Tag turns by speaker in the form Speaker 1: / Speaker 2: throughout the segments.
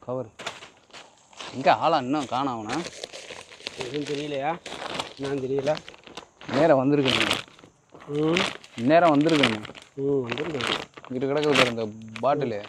Speaker 1: Cover எங்கே ஆளா இன்னும் காணாமண்ணா
Speaker 2: எதுவும் தெரியலையா என்னன்னு தெரியல
Speaker 1: நேரம் வந்திருக்குங்க நேரம் வந்துருக்குங்க
Speaker 2: வந்துருக்கேன்
Speaker 1: இங்கிட்டு கிடக்குது இந்த பாட்டிலு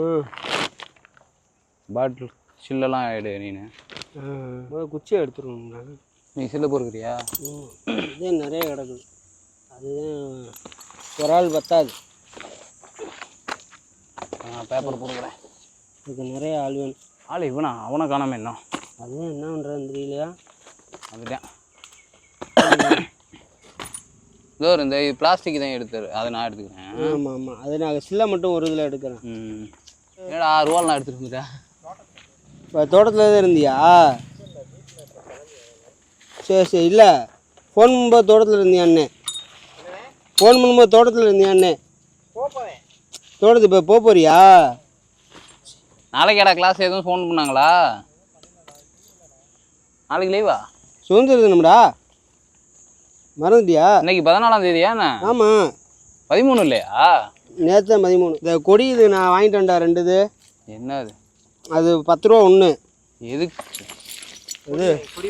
Speaker 1: பாட்டில் சில்லெல்லாம் ஆகிடு நீனு
Speaker 2: குச்சியை எடுத்துருவோங்க
Speaker 1: நீ சில்ல பொறுக்கிறியா
Speaker 2: இதே நிறைய கிடக்குது அதுதான் ஒரு ஆள் பத்தாது
Speaker 1: பேப்பர் பொறுக்கிறேன்
Speaker 2: இதுக்கு நிறைய ஆள் வேணும்
Speaker 1: ஆள் இவனா அவனை காணாம என்ன
Speaker 2: அதுவும் என்ன பண்ணுறதுன்னு தெரியலையா
Speaker 1: அதுதான் இதோ இந்த பிளாஸ்டிக் தான் எடுத்தாரு அதை நான் எடுத்துக்கிறேன்
Speaker 2: ஆமாம் ஆமாம் அது நான் சில்லை மட்டும் ஒரு இதில் எடுக்கிறேன்
Speaker 1: ஏடா 6 ரூபா நான் எடுத்துகிட்டு வந்துட்டேன்
Speaker 2: இப்போ தோட்டத்தில் தான் இருந்தியா சரி சரி இல்லை ஃபோன் பண்ணும்போது தோட்டத்தில் இருந்தியா அண்ணே ஃபோன் பண்ணும்போது தோட்டத்தில் இருந்தியா அண்ணே தோட்டத்துக்கு இப்போ போறியா
Speaker 1: நாளைக்கு ஏடா கிளாஸ் எதுவும் ஃபோன் பண்ணாங்களா நாளைக்கு லீவா
Speaker 2: சுதந்திர தினம்டா மறந்துட்டியா
Speaker 1: இன்னைக்கு 14ஆம் தேதியா என்ன
Speaker 2: ஆமாம்
Speaker 1: 13 இல்லையா
Speaker 2: நேற்று 13 இந்த கொடி இது நான் வாங்கிட்டு வந்தா 2 இது
Speaker 1: என்ன
Speaker 2: அது 10 ரூபா ஒன்று
Speaker 1: எதுக்கு
Speaker 2: இது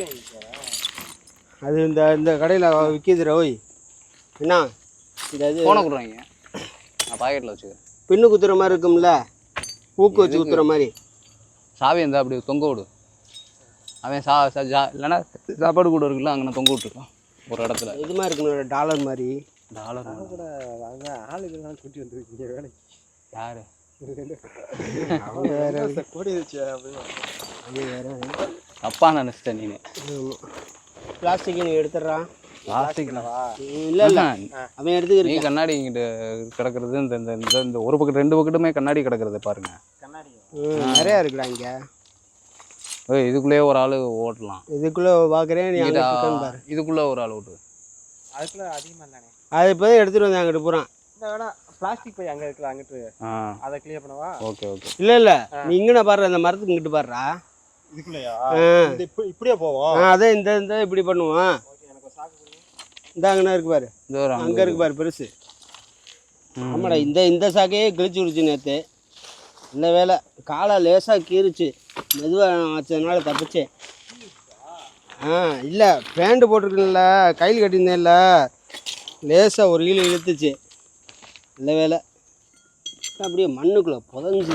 Speaker 2: அது இந்த இந்த கடையில் விற்கிதுரா ஓய் என்ன இந்த இது
Speaker 1: ஃபோனை கொடுறாங்க நான் பாக்கெட்டில் வச்சுக்கிறேன்
Speaker 2: பின்னு குத்துற மாதிரி இருக்கும்ல ஊக்கு வச்சு குத்துற மாதிரி
Speaker 1: சாவி இருந்தால் அப்படி தொங்க விடு அவன் இல்லைன்னா சாப்பாடு கூட இருக்குல்ல அங்கே தொங்க விட்டுருக்கான் ஒரு இடத்துல
Speaker 2: இது மாதிரி இருக்கணும் டாலர் மாதிரி
Speaker 1: டாலர்
Speaker 2: கூட வாங்க ஆளுகள்லாம் கூட்டி வந்துருக்கீங்க வேலைக்கு
Speaker 1: யாரு
Speaker 2: அவங்க வேற கூடி வச்சு அது வேற
Speaker 1: அப்பா நினச்சிட்டேன் நீ
Speaker 2: பிளாஸ்டிக் நீ எடுத்துடுறான்
Speaker 1: பிளாஸ்டிக்
Speaker 2: இல்லை இல்லை அவன் எடுத்துக்கிறீ
Speaker 1: நீ கண்ணாடி இங்கிட்டு கிடக்கிறது இந்த இந்த இந்த ஒரு பக்கெட் 2 பக்கெட்டுமே கண்ணாடி கிடக்கிறது பாருங்க
Speaker 2: கண்ணாடி நிறையா இருக்குடா இங்கே
Speaker 1: இதுக்குள்ளேயே ஒரு ஆள் ஓட்டலாம்
Speaker 2: இதுக்குள்ளே பார்க்குறேன் நீ
Speaker 1: இதுக்குள்ளே ஒரு ஆள் ஓட்டு
Speaker 2: அதுக்குள்ளே அதிகமாக இல்லைண்ணே அது இப்போ தான் எடுத்துகிட்டு வந்தேன் அங்கிட்டு போகிறான் இந்த வேணா பிளாஸ்டிக் பை அங்கே இருக்குல்ல அங்கிட்டு அதை கிளியர் பண்ணவா
Speaker 1: ஓகே ஓகே
Speaker 2: இல்லை இல்லை நீ இங்கே பாடுற அந்த மரத்துக்கு இங்கிட்டு பாடுறா
Speaker 3: இதுக்குள்ளேயா இப்படியே போவோம்
Speaker 2: அதே இந்த இந்த இப்படி பண்ணுவோம் இந்த அங்கே இருக்கு பாரு அங்கே இருக்கு பாரு பெருசு ஆமாடா இந்த இந்த சாக்கையே கிழிச்சு விடுச்சு நேற்று இந்த வேலை காலை லேசாக கீறிச்சு மெதுவாக வச்சதுனால தப்பிச்சேன் இல்லை பேண்ட்டு போட்டிருக்கேன்ல கையில் கட்டியிருந்தேன்ல லேசாக ஒரு கீழே இழுத்துச்சு இந்த வேலை அப்படியே மண்ணுக்குள்ளே புதஞ்சி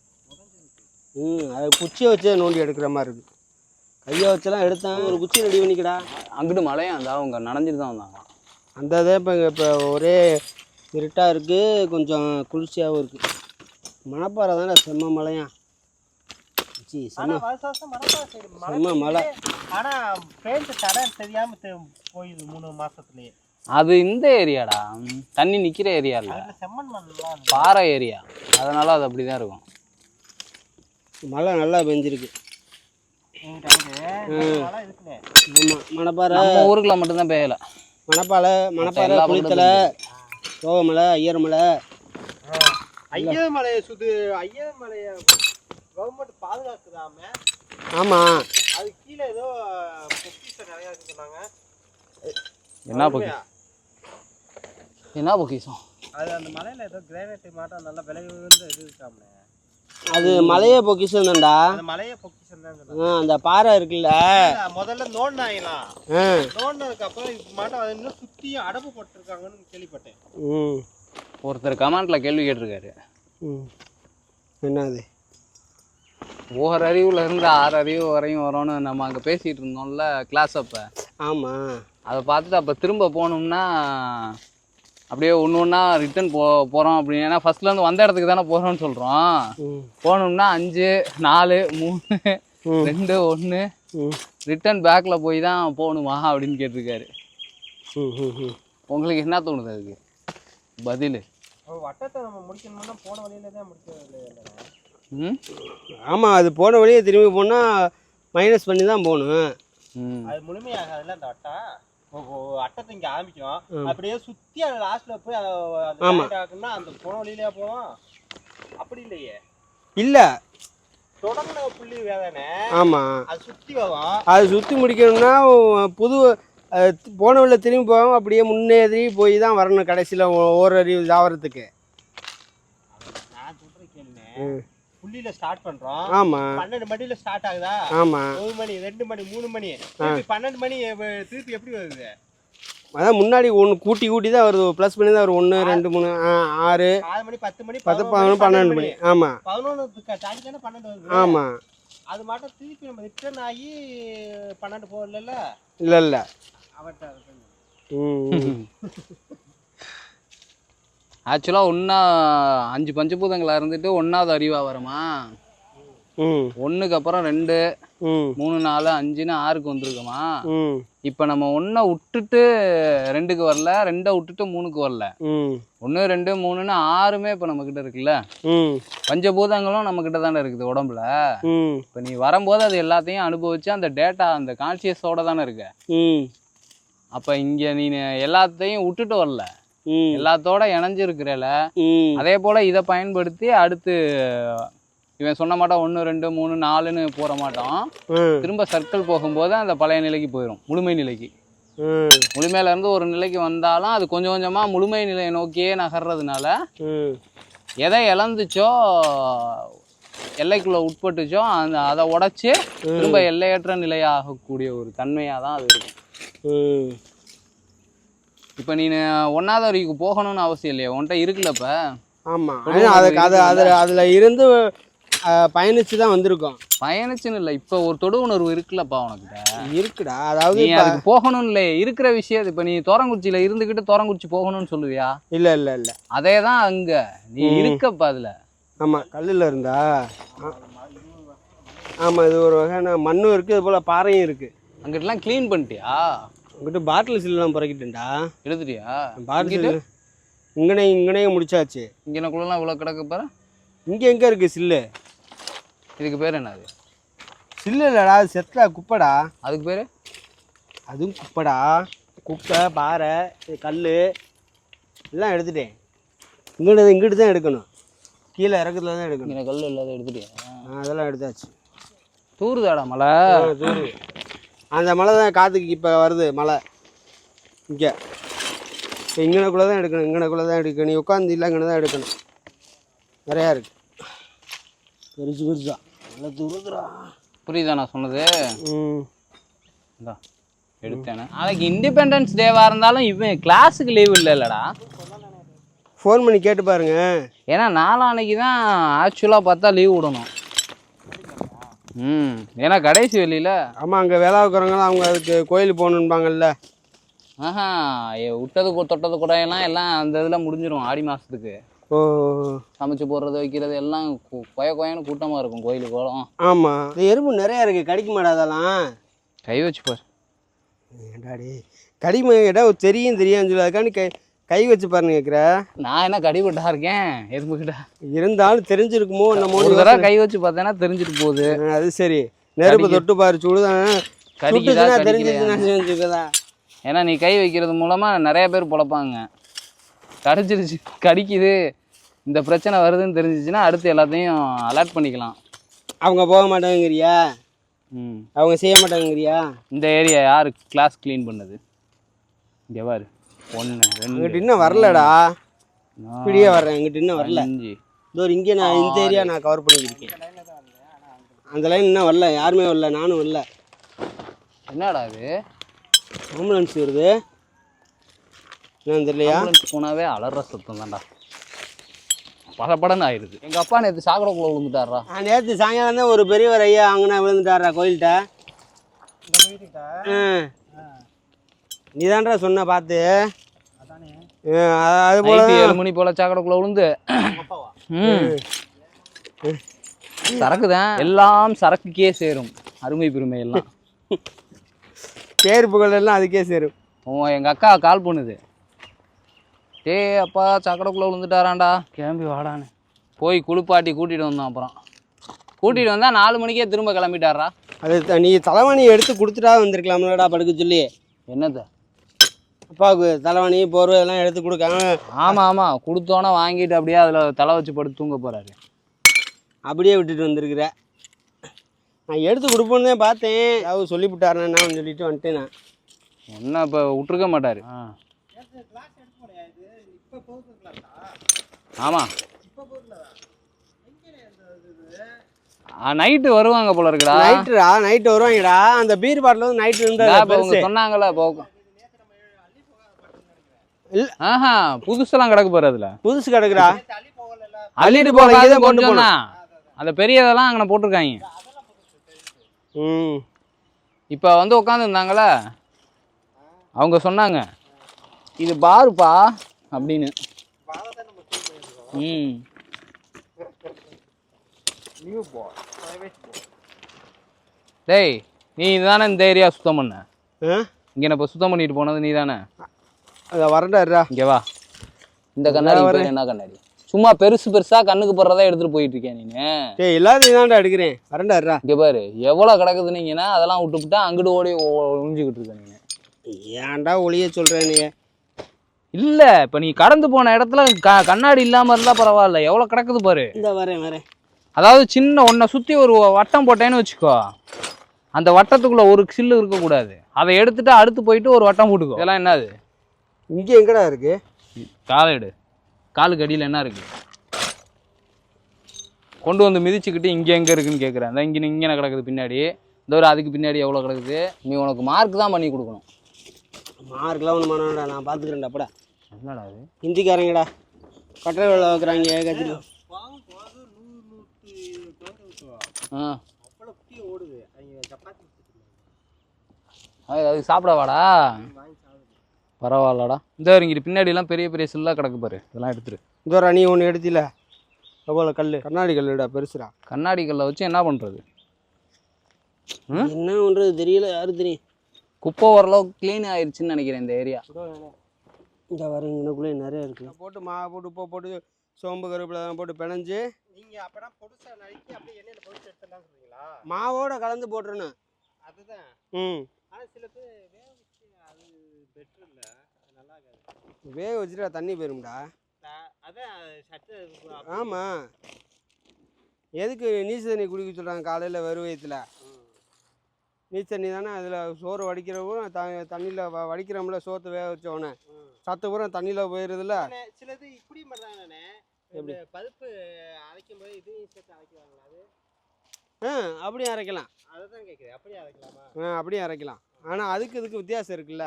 Speaker 2: அதை குச்சியை வச்சே நோண்டி எடுக்கிற மாதிரி இருக்குது கையை வச்செல்லாம் எடுத்தேன் ஒரு குச்சி ரெடி பண்ணிக்கடா
Speaker 1: அங்கிட்டு மழையா இருந்தால் அவங்க நனைஞ்சிட்டு தான் வந்தாங்க
Speaker 2: அந்த இதே இப்போ ஒரே இருட்டாக இருக்குது கொஞ்சம் குளிர்ச்சியாகவும் இருக்குது மணப்பாறை தானே செம்ம மழையா செம்ம மழை
Speaker 3: ஆனால் பெயிண்ட் தடை தெரியாமல் போயிடுது 3 மாதத்துலேயே
Speaker 1: அது இந்த ஏரியாடா தண்ணி நிற்கிற ஏரியா இல்லை
Speaker 3: செம்மண் மண்
Speaker 1: பாறை ஏரியா அதனால அது அப்படி தான் இருக்கும்
Speaker 2: மழை நல்லா பெஞ்சிருக்கு மணப்பாறை
Speaker 1: நம்ம ஊருக்குள்ள மட்டும்தான் பெய்யலை
Speaker 2: மணப்பாறை குளித்தலை தோகமலை ஐயர்மலை
Speaker 3: ஐயமலையை ஐயமலையை கவர்மெண்ட் பாதுகாக்குதாம
Speaker 2: ஆமாம்
Speaker 3: அது கீழே ஏதோ பொக்கிஷம் நிறையா இருக்கு சொன்னாங்க
Speaker 1: என்ன பொக்கிஷம்
Speaker 3: அது அந்த மலையில் ஏதோ கிரானைட் மாட்டம் நல்லா விலை உயர்ந்த இது இருக்காமலே
Speaker 2: அது மலையே பொக்கிஷம் தான்டா
Speaker 3: அந்த மலையே பொக்கிஷம் தான்
Speaker 2: அந்த பாறை இருக்குல்ல
Speaker 3: முதல்ல நோண்டாயிலாம் நோண்டதுக்கு அப்புறம் மாட்டம் அது இன்னும் சுற்றியும் அடப்பு போட்டிருக்காங்கன்னு கேள்விப்பட்டேன்
Speaker 1: ஒருத்தர் கமெண்ட்ல கேள்வி கேட்டிருக்காரு
Speaker 2: என்னது
Speaker 1: ஓர் அறிவுல இருந்து 6 அறிவு வரையும் வரும்னு நம்ம அங்கே பேசிகிட்டு இருந்தோம்ல கிளாஸ் அப்போ
Speaker 2: ஆமாம்
Speaker 1: அதை பார்த்துட்டு அப்போ திரும்ப போகணும்னா அப்படியே ஒன்று ரிட்டன் போகிறோம் அப்படின்னு ஏன்னா ஃபர்ஸ்ட்லேருந்து வந்த இடத்துக்கு தானே போகிறோம்னு சொல்கிறோம் போகணும்னா 5 4 3 2 1 ரிட்டன் பேக்கில் போய் தான் போகணுமா அப்படின்னு கேட்டிருக்காரு உங்களுக்கு என்ன தோணுது அதுக்கு பதில்
Speaker 3: வட்டத்தை நம்ம முடிக்கணும்னா போன வழியில தான் முடிக்கிறது
Speaker 2: ஆமாம் அது போன வழியே திரும்பி போனால் மைனஸ் பண்ணி தான் போகணும்
Speaker 3: அது முழுமையாகாதுல்ல அந்த வட்டம் அட்டத்தை இங்கே ஆரம்பிக்கும் அப்படியே சுற்றி அது லாஸ்ட்டில் போய் ஆகும்னா அந்த போன வழியிலே போவோம் அப்படி இல்லையே
Speaker 2: இல்லை
Speaker 3: தொடங்கின புள்ளி வேதானே
Speaker 2: ஆமாம்
Speaker 3: அது சுற்றி வரும்
Speaker 2: அது சுற்றி முடிக்கணும்னா புது போன வழியில திரும்பி போகாமல் அப்படியே முன்னேறி போய் தான் வரணும் கடைசியில் ஓரறிவு தாவரத்துக்கு
Speaker 3: நான் சொல்கிறேன் கேளுங்க புள்ளியில ஸ்டார்ட் பண்றோம்.
Speaker 2: ஆமா
Speaker 3: 12 மணில ஸ்டார்ட் ஆகுதா?
Speaker 2: ஆமா
Speaker 3: 1 மணி 2 மணி 3 மணி திருப்பி 12 மணி திருப்பி எப்படி வருது?
Speaker 2: அதான் முன்னாடி ஒன்று கூட்டி கூட்டி தான் வருது, ப்ளஸ் பண்ணி தான் வரும். 1 2 3 6
Speaker 3: 6 மணி 10 மணி
Speaker 2: 10 11 12 மணி. ஆமா
Speaker 3: 11 தாண்டி தானே 12 வருது.
Speaker 2: ஆமா
Speaker 3: அது மட்டும் திருப்பி நம்ம ரிட்டர்ன் ஆகி 12 போகல.
Speaker 2: இல்ல இல்ல
Speaker 3: அவட்ட
Speaker 1: ஆக்சுவலாக ஒன்றா 5 பஞ்சபூதங்களா இருந்துட்டு 1வது அறிவா வருமா? 1க்கு அப்புறம் 2 3 4 5ன்னு 6க்கு வந்துருக்குமா? இப்போ நம்ம 1 விட்டுட்டு 2க்கு வரல, 2 விட்டுட்டு 3க்கு வரல. 1 2 3ன்னு 6மே இப்போ நம்ம கிட்ட இருக்குல்ல. பஞ்சபூதங்களும் நம்ம கிட்ட தானே இருக்குது உடம்புல. இப்போ நீ வரும்போது அது எல்லாத்தையும் அனுபவிச்சு அந்த டேட்டா அந்த கான்சியஸோட தானே இருக்க. அப்போ இங்கே நீ எல்லாத்தையும் விட்டுட்டு வரல, எல்லாத்தோட இணைஞ்சிருக்கிறல. அதே போல இதை பயன்படுத்தி அடுத்து இவன் சொன்ன மாட்டான் 1 2 3 4ன்னு போற மாட்டான். திரும்ப சர்க்கிள் போகும்போது அந்த பழைய நிலைக்கு போயிடும், முழுமை நிலைக்கு. முழுமையில இருந்து ஒரு நிலைக்கு வந்தாலும் அது கொஞ்சம் கொஞ்சமா முழுமை நிலையை நோக்கியே நகர்றதுனால எதை இழந்துச்சோ, எல்லைக்குள்ள உட்பட்டுச்சோ அதை உடைச்சு திரும்ப எல்லையற்ற நிலையாகக்கூடிய ஒரு தன்மையா தான் அது இருக்கும். இப்ப நீ 1வது வரைக்கும் போகணும்னு அவசியம் இல்லையா, உன்கிட்ட இருக்குல்லப்ப.
Speaker 2: ஆமா அதுல இருந்து பயணிச்சு தான் வந்திருக்கோம்.
Speaker 1: பயணிச்சுன்னு இல்லை, இப்போ ஒரு தொடு உணர்வு இருக்குல்லப்பா உனக்கிட்ட.
Speaker 2: இருக்குடா, அதாவது
Speaker 1: நீ அதுக்கு போகணும்னு இல்லை, இருக்கிற விஷயம். இப்போ நீ தோரங்குச்சியில இருந்துக்கிட்டு தோரங்குச்சி போகணும்னு சொல்லுவியா?
Speaker 2: இல்ல இல்ல இல்ல,
Speaker 1: அதே தான் அங்க நீ இருக்கப்பா அதுல.
Speaker 2: ஆமா கல்லுல இருந்தா. ஆமா இது ஒரு வகையான மண்ணும் இருக்கு, இது போல பாறையும் இருக்கு.
Speaker 1: அங்கிட்டலாம் க்ளீன் பண்ணிட்டியா?
Speaker 2: அங்கிட்ட பாட்டில் சில்லாம் புறக்கிட்டேன்டா.
Speaker 1: எடுத்துட்டியா?
Speaker 2: பாட்டில் இங்கனே முடிச்சாச்சு.
Speaker 1: இங்கனக்குள்ளலாம் இவ்வளோ கிடக்கு பாரு.
Speaker 2: இங்க எங்க இருக்கு சில்லு?
Speaker 1: இதுக்கு பேர் என்னது?
Speaker 2: சில்லு இல்லடா, அது செத்தா குப்பைடா.
Speaker 1: அதுக்கு பேர்?
Speaker 2: அதுவும் குப்பைடா. குப்பை பாறை கல் எல்லாம் எடுத்துட்டேன். இங்கிட்டு தான் எடுக்கணும், கீழே இறக்கத்துல தான் எடுக்கணும்.
Speaker 1: இங்கே கல் இல்லாத எடுத்துட்டியா?
Speaker 2: அதெல்லாம் எடுத்தாச்சு.
Speaker 1: தூருதாடா மழை?
Speaker 2: தூரு. அந்த மழை தான் காற்றுக்கு இப்போ வருது மழை. இங்கே இப்போ இங்கனக்குள்ளே தான் எடுக்கணும், இங்கனக்குள்ளே தான் எடுக்கணும். நீ உட்காந்து இல்லை, இங்கே தான் எடுக்கணும். நிறையா இருக்கு, பெருசா நல்லா தூரத்துறா.
Speaker 1: புரியுதா நான் சொன்னது? இந்தா எடுத்தேனே. நாளைக்கு இண்டிபெண்டன்ஸ் டேவாக இருந்தாலும் இவன் கிளாஸுக்கு லீவ் இல்லைல்லடா.
Speaker 2: ஃபோன் பண்ணி கேட்டு பாருங்க.
Speaker 1: ஏன்னா நாளான்னைக்கு தான் ஆக்சுவலாக பார்த்தா லீவ் விடணும். ஏன்னா கடைசி வெளியில.
Speaker 2: ஆமாம், அங்கே வேலை வைக்கிறவங்களாம் அவங்க அதுக்கு கோயிலுக்கு போகணுன்பாங்கல்ல.
Speaker 1: ஆஹா, விட்டது தொட்டது குடையெல்லாம் எல்லாம் அந்த இதில் முடிஞ்சிடும் ஆடி மாதத்துக்கு.
Speaker 2: ஓ,
Speaker 1: சமைச்சு போடுறது வைக்கிறது எல்லாம் கொயன்னு கூட்டமாக இருக்கும் கோயிலுக்கு போகலாம்.
Speaker 2: ஆமாம், இந்த எறும்பு நிறையா இருக்குது, கடிக்க மாட்டாதெல்லாம்.
Speaker 1: கை வச்சு பார்.
Speaker 2: ஏண்டாடி கடிமை கேட்டால் தெரியும் சொல்லி அதுக்காண்டி கை வச்சு பாருன்னு கேட்குற. நான்
Speaker 1: என்ன கடிபட்டா இருக்கேன் எறும்புக்கிட்ட?
Speaker 2: இருந்தாலும் தெரிஞ்சிருக்குமோ நம்ம
Speaker 1: ஒரு தடவை கை வச்சு பார்த்தேன்னா தெரிஞ்சிட்டு போகுது.
Speaker 2: அது சரி, நெருப்பு தொட்டு பாரு, சுடுதான் தெரிஞ்சிருச்சுன்னா.
Speaker 1: ஏன்னா நீ கை வைக்கிறது மூலமாக நிறைய பேர் பொழப்பாங்க. கடிச்சிருச்சு, கடிக்குது, இந்த பிரச்சனை வருதுன்னு தெரிஞ்சிச்சுன்னா அடுத்து எல்லாத்தையும் அலர்ட் பண்ணிக்கலாம்.
Speaker 2: அவங்க போக மாட்டாங்கறியா? அவங்க செய்ய மாட்டாங்கறியா? இந்த
Speaker 1: ஏரியா யார் கிளாஸ் க்ளீன் பண்ணது? இங்கே பாரு, 1 2
Speaker 2: இங்கிட்ட இன்னும் வரலடா. இப்படியே வர்றேன், இங்கிட்ட இன்னும் வரல. இதோ இங்கே நான் இந்த ஏரியா நான் கவர் பண்ணிக்கிருக்கேன். அந்த லைன் இன்னும் வரல, யாருமே வரல, நானும் வரல.
Speaker 1: என்னடா இது
Speaker 2: ஆம்புலன்ஸ் வருது என்னன்னு தெரியலையா?
Speaker 1: ஆம்புலன்ஸ் போனாவே அலற சத்தம் தான்டா, படன்னு ஆயிடுது. எங்கள் அப்பா நேற்று சாக்கடைக்குள்ள விழுந்துட்டாரா?
Speaker 2: நேற்று சாயங்காலம் தான் ஒரு பெரியவர் ஐயா அங்கே விழுந்துட்டாரா கோயில்கிட்ட. நீ தான்டா சொன்ன பார்த்து. அது போல
Speaker 1: 7 மணி போல சாக்கடைக்குள்ள விழுந்து சரக்கு தான், எல்லாம் சரக்குக்கே சேரும். அருமை பெருமை எல்லாம்
Speaker 2: பேர் புகழ் எல்லாம் அதுக்கே சேரும்.
Speaker 1: எங்கள் அக்கா கால் பண்ணுது, அப்பா சாக்கடைக்குள்ள விழுந்துட்டாராண்டா, கிளம்பி வாடான்னு போய் குளிப்பாட்டி கூட்டிகிட்டு வந்தோம். அப்புறம் கூட்டிகிட்டு வந்தால் 4 மணிக்கே திரும்ப கிளம்பிட்டாரா.
Speaker 2: அது நீ தலைவாணி எடுத்து கொடுத்துட்டா வந்திருக்கலாம்லடா படுக்க சொல்லி.
Speaker 1: என்னது
Speaker 2: அப்பாவுக்கு தலைவாணி போர்வை எல்லாம் எடுத்து கொடுக்காம?
Speaker 1: ஆமாம், கொடுத்தோன்னே வாங்கிட்டு அப்படியே அதில் தலை வச்சு படுத்து தூங்க போகிறாரு.
Speaker 2: அப்படியே விட்டுட்டு வந்திருக்கிற. நான் எடுத்து கொடுப்போன்னு தான் பார்த்தேன், அவர் சொல்லிவிட்டாருன்னு சொல்லிட்டு வந்துட்டேன். நான்
Speaker 1: ஒன்றும் இப்போ விட்டுருக்க மாட்டார். ஆமாம், நைட்டு வருவாங்க போல இருக்குடா.
Speaker 2: நைட்டு வருவாங்கடா. அந்த பீர் பாட்டில் வந்து நைட்டு
Speaker 1: இருந்தா சொன்னாங்கல்ல போக. ஆஹா புதுசெல்லாம் கிடக்கு பாரு. அதுல
Speaker 2: புதுசு கிடக்குறா.
Speaker 1: அள்ளிட்டு போக கொண்டு போனா அந்த பெரியதெல்லாம் அங்கே போட்டிருக்காங்க. இப்போ வந்து உட்காந்து இருந்தாங்களே அவங்க சொன்னாங்க இது பாருப்பா அப்படின்னு. டேய் நீ இதுதானே இந்த ஏரியா சுத்தம் பண்ண? இங்கே இப்போ சுத்தம் பண்ணிட்டு போனது நீ தானே?
Speaker 2: வரண்டாருடா.
Speaker 1: இங்கே வா. இந்த கண்ணாடி என்ன கண்ணாடி? சும்மா பெருசா கண்ணுக்கு போடுறதா எடுத்துட்டு போயிட்டு இருக்கேன் நீனு.
Speaker 2: எல்லாத்தையும் தான்டா எடுக்கிறேன். வரண்டாருடா.
Speaker 1: இங்கே பாரு எவ்வளோ கிடக்குதுன்னீங்கன்னா அதெல்லாம் விட்டுவிட்டா அங்கிட்டு ஓடி ஒழிஞ்சுக்கிட்டு இருக்க நீங்க.
Speaker 2: ஏன்டா ஒளிய சொல்கிறேன் நீ?
Speaker 1: இல்லை இப்போ நீ கடந்து போன இடத்துல கண்ணாடி இல்லாமல் இருந்தால் பரவாயில்ல. எவ்வளோ கிடக்குது பாரு.
Speaker 2: இந்த வரேன்.
Speaker 1: அதாவது சின்ன ஒன்றை சுற்றி ஒரு வட்டம் போட்டேன்னு வச்சுக்கோ. அந்த வட்டத்துக்குள்ளே ஒரு சில்லு இருக்கக்கூடாது. அதை எடுத்துட்டு அடுத்து போயிட்டு ஒரு வட்டம் போட்டுக்கோ. இதெல்லாம் என்னது?
Speaker 2: இங்கே எங்கடா இருக்கு?
Speaker 1: காலைடு காலுக்கு அடியில் என்ன இருக்கு? கொண்டு வந்து மிதிச்சுக்கிட்டு இங்கே எங்கே இருக்குன்னு கேட்குறேன். அந்த இங்கே கிடக்குது பின்னாடி. இந்த ஒரு அதுக்கு பின்னாடி எவ்வளோ கிடக்குது? நீ உனக்கு மார்க் தான் பண்ணி கொடுக்கணும்.
Speaker 2: மார்க்லாம் ஒன்று பண்ணடா, நான் பார்த்துக்கிறேன்டா. அப்படா
Speaker 1: என்னடா அது?
Speaker 2: ஹிந்திக்காரங்கடா கட்டளை வேலை வைக்கிறாங்க கத்திரி.
Speaker 1: அதுக்கு சாப்பிட வாடா. பரவாயில்லடா. இந்த இங்கிட்டு பின்னாடிலாம் பெரிய பெரிய சில்லாக கிடக்கு பாரு. இதெல்லாம் எடுத்துரு.
Speaker 2: இந்த நீ ஒன்று எடுத்தில எவ்வளோ கல்? கண்ணாடி கல்லுடா, பெருசுடா.
Speaker 1: கண்ணாடி கல்லை வச்சு என்ன பண்ணுறது?
Speaker 2: என்ன பண்ணுறது தெரியல. யாரு தெரியும்?
Speaker 1: குப்பை ஓரளவுக்கு க்ளீன் ஆயிடுச்சுன்னு நினைக்கிறேன் இந்த ஏரியா.
Speaker 2: இந்த வரேன் இன்னுக்குள்ளே நிறைய இருக்குது. போட்டு மாவு போட்டு உப்பை போட்டு சோம்பு கருவேப்பிலை போட்டு பிணைஞ்சு
Speaker 3: நீங்கள் அப்போனா பொடுசாக நறுக்கி அப்படியே எண்ணெயில் பொடிச்சு எடுத்துடலாம் சொல்றீங்களா?
Speaker 2: மாவோட கலந்து போட்டுறணும். அதுதான்.
Speaker 3: ஆனால் சில பேர் வேக வச்சு அது பெட்ரு இல்லை, அது நல்லா இருக்காது.
Speaker 2: வேக வச்சுட்டா தண்ணி போயிரும்டா.
Speaker 3: அதான் சட்டு.
Speaker 2: ஆமாம். எதுக்கு நீச்சல் தண்ணி குடிக்க சொல்கிறாங்க காலையில் வெறும் வயிற்றுல? நீச்சல் தண்ணி தானே. அதில் சோறு வடிக்கிறவும் தண்ணியில் வடிக்கிறோம்ல, சோற்று வேக வச்சோடனே சத்து பூரா தண்ணியில் போயிடுதுல.
Speaker 3: சிலது இப்படி பண்ணுறாங்கண்ணே. எப்படி பருப்பு அரைக்கும் போது இதையும் சேர்த்து அரைக்கிறாங்களா? அது
Speaker 2: அப்படியும் அரைக்கலாம்.
Speaker 3: அதை தான் கேட்குறேன். அப்படியே அரைக்கலாமா?
Speaker 2: அப்படியும் அரைக்கலாம். ஆனால் அதுக்கு இதுக்கு வித்தியாசம் இருக்குல்ல.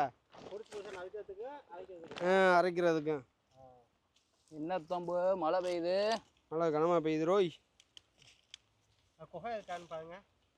Speaker 2: அரைக்கிறதுக்கும்.
Speaker 1: என்ன தம்பு மழை பெய்யுது?
Speaker 2: மழை கனமாக பெய்யுது ரோய்.
Speaker 3: குகை இருக்கான்னு பாருங்க.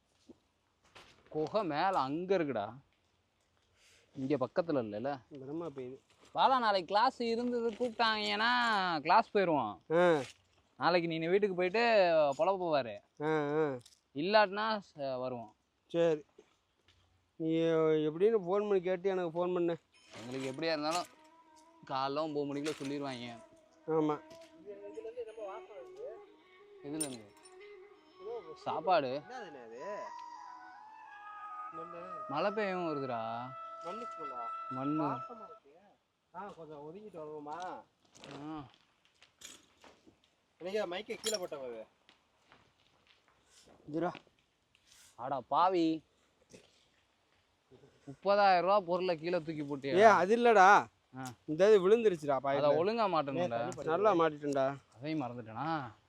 Speaker 1: குகை மேலே அங்கே இருக்குடா, இங்கே பக்கத்தில் இல்லைல்ல.
Speaker 2: கனமாக பெய்யுது.
Speaker 1: வாடா நாளைக்கு கிளாஸ் இருந்தது கூப்பிட்டாங்கன்னா கிளாஸ் போயிடுவோம். நாளைக்கு நீ வீட்டுக்கு போயிட்டு பொழப்பு போவார். இல்லாட்டினா வருவோம்.
Speaker 2: சரி, நீ எப்படின்னு ஃபோன் பண்ணி கேட்டு எனக்கு ஃபோன் பண்ணு.
Speaker 1: எங்களுக்கு எப்படியா இருந்தாலும் காலைல 9 மணிக்குள்ள சொல்லிடுவாங்க.
Speaker 2: ஆமாம்.
Speaker 1: இதுலேருந்து சாப்பாடு மழை பெய்யும் வருதுடா. மண்ணு
Speaker 3: கொஞ்சம் ஒதுங்கிட்டு வருவோமா? இன்னைக்கு மைக்கை கீழே போட்டது.
Speaker 1: ஆடா பாவி, 30,000 ரூபா பொருளை கீழே தூக்கி போட்டு.
Speaker 2: அது இல்லடா, இந்த இது விழுந்துருச்சுடா.
Speaker 1: அதை ஒழுங்கா மாட்டேன்டா.
Speaker 2: நல்லா மாட்டிட்டேன்டா.
Speaker 1: அதையும் மறந்துட்டேனா?